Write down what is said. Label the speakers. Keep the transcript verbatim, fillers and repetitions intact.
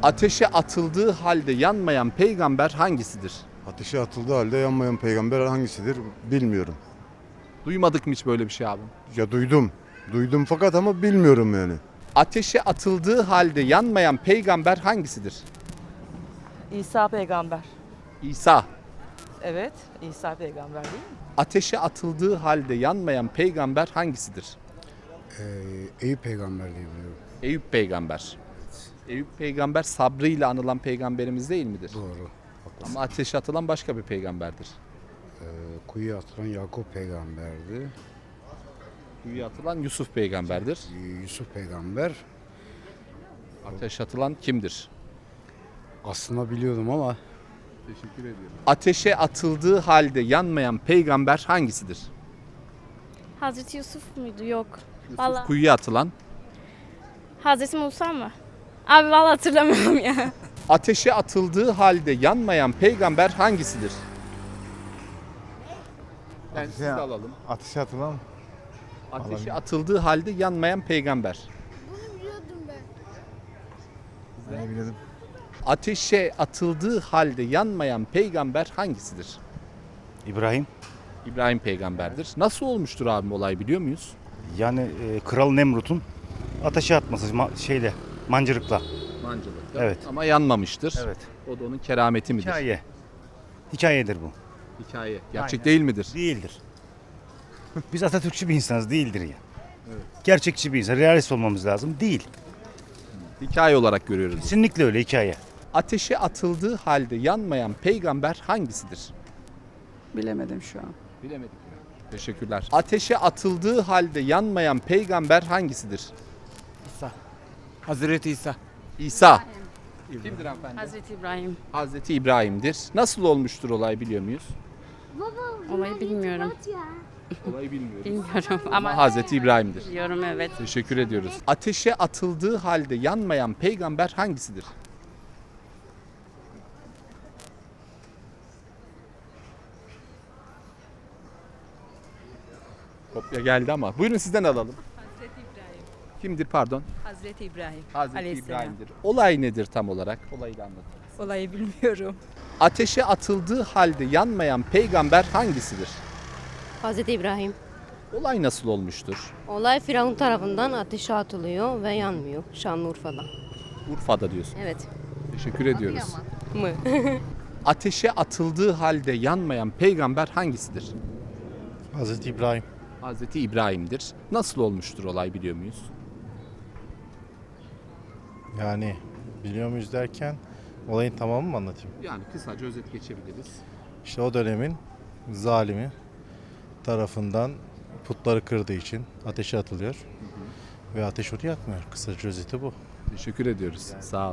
Speaker 1: Ateşe atıldığı halde yanmayan peygamber hangisidir?
Speaker 2: Ateşe atıldığı halde yanmayan peygamber hangisidir bilmiyorum.
Speaker 1: Duymadık mı hiç böyle bir şey abi?
Speaker 2: Ya duydum. Duydum fakat ama bilmiyorum yani.
Speaker 1: Ateşe atıldığı halde yanmayan peygamber hangisidir?
Speaker 3: İsa peygamber.
Speaker 1: İsa.
Speaker 3: Evet, İsa peygamber değil mi?
Speaker 1: Ateşe atıldığı halde yanmayan peygamber hangisidir?
Speaker 4: Ee, Eyüp peygamber diye biliyorum.
Speaker 1: Eyüp peygamber. Eyüp peygamber sabrıyla anılan peygamberimiz değil midir?
Speaker 4: Doğru.
Speaker 1: Ama ateşe atılan başka bir peygamberdir.
Speaker 4: Ee, kuyuya atılan Yakup peygamberdi.
Speaker 1: Kuyuya atılan Yusuf peygamberdir.
Speaker 4: Ee, Yusuf peygamber.
Speaker 1: Ateşe atılan kimdir?
Speaker 4: Aslında biliyordum ama
Speaker 1: Teşekkür ediyorum. Ateşe atıldığı halde yanmayan peygamber hangisidir?
Speaker 5: Hazreti Yusuf muydu? Yok.
Speaker 1: Yusuf
Speaker 5: Vallahi
Speaker 1: kuyuya atılan.
Speaker 5: Hazreti Musa mı? Abi vallahi hatırlamıyorum ya.
Speaker 1: Ateşe atıldığı halde yanmayan peygamber hangisidir? Ben sizi de alalım.
Speaker 6: Ateşe atılan
Speaker 1: Ateşe atıldığı halde yanmayan peygamber.
Speaker 6: ne biliyordum.
Speaker 1: Ateşe atıldığı halde yanmayan peygamber hangisidir?
Speaker 7: İbrahim.
Speaker 1: İbrahim peygamberdir. Nasıl olmuştur abim olay biliyor muyuz?
Speaker 7: Yani e, Kral Nemrut'un ateşe atması ma- şeyle mancırıkla.
Speaker 1: Mancılıkta.
Speaker 7: Evet.
Speaker 1: Ama yanmamıştır.
Speaker 7: Evet.
Speaker 1: O da onun kerameti midir?
Speaker 7: Hikaye. Hikayedir bu.
Speaker 1: Hikaye. Gerçek
Speaker 7: Aynen.
Speaker 1: değil midir?
Speaker 7: Değildir. Biz Atatürkçü bir insanız, değildir ya. Gerçekçi bir insan, realist olmamız lazım. Değil.
Speaker 1: Hikaye olarak görüyoruz.
Speaker 7: Kesinlikle öyle hikaye.
Speaker 1: Ateşe atıldığı halde yanmayan peygamber hangisidir?
Speaker 3: Bilemedim şu an.
Speaker 1: Bilemedik. Teşekkürler. Ateşe atıldığı halde yanmayan peygamber hangisidir?
Speaker 8: İsa. Hazreti İsa.
Speaker 1: İsa. Kimdir hanımefendi?
Speaker 5: Hazreti İbrahim.
Speaker 1: Hazreti İbrahim'dir. Nasıl olmuştur olay biliyor muyuz?
Speaker 5: Olayı bilmiyorum.
Speaker 1: Olayı bilmiyoruz.
Speaker 5: Bilmiyorum
Speaker 1: Ama
Speaker 5: ama
Speaker 1: Hazreti İbrahim'dir.
Speaker 5: biliyorum evet.
Speaker 1: Teşekkür ediyoruz. Ateşe atıldığı halde yanmayan peygamber hangisidir? Kopya geldi ama. Buyurun sizden alalım.
Speaker 9: Hazreti İbrahim.
Speaker 1: Kimdir pardon?
Speaker 9: Hazreti İbrahim.
Speaker 1: Hazreti
Speaker 9: Aleyhisselam.
Speaker 1: İbrahim'dir. Olay nedir tam olarak? Olayı da anlatın.
Speaker 9: Olayı bilmiyorum.
Speaker 1: Ateşe atıldığı halde yanmayan peygamber hangisidir?
Speaker 10: Hazreti İbrahim.
Speaker 1: Olay nasıl olmuştur?
Speaker 10: Olay Firavun tarafından ateşe atılıyor ve yanmıyor Şanlıurfa'da.
Speaker 1: Urfa'da diyorsun.
Speaker 10: Evet.
Speaker 1: Teşekkür ediyoruz.
Speaker 10: Mı?
Speaker 1: Ateşe atıldığı halde yanmayan peygamber hangisidir?
Speaker 6: Hazreti İbrahim.
Speaker 1: Hazreti İbrahim'dir. Nasıl olmuştur olay biliyor muyuz?
Speaker 6: Yani biliyor muyuz derken olayın tamamını mı anlatayım?
Speaker 1: Yani kısaca özet geçebiliriz.
Speaker 6: İşte o dönemin zalimi tarafından putları kırdığı için ateşe atılıyor. Ve ateş onu yakmıyor. Kısaca özeti bu.
Speaker 1: Teşekkür ediyoruz. Sağ ol.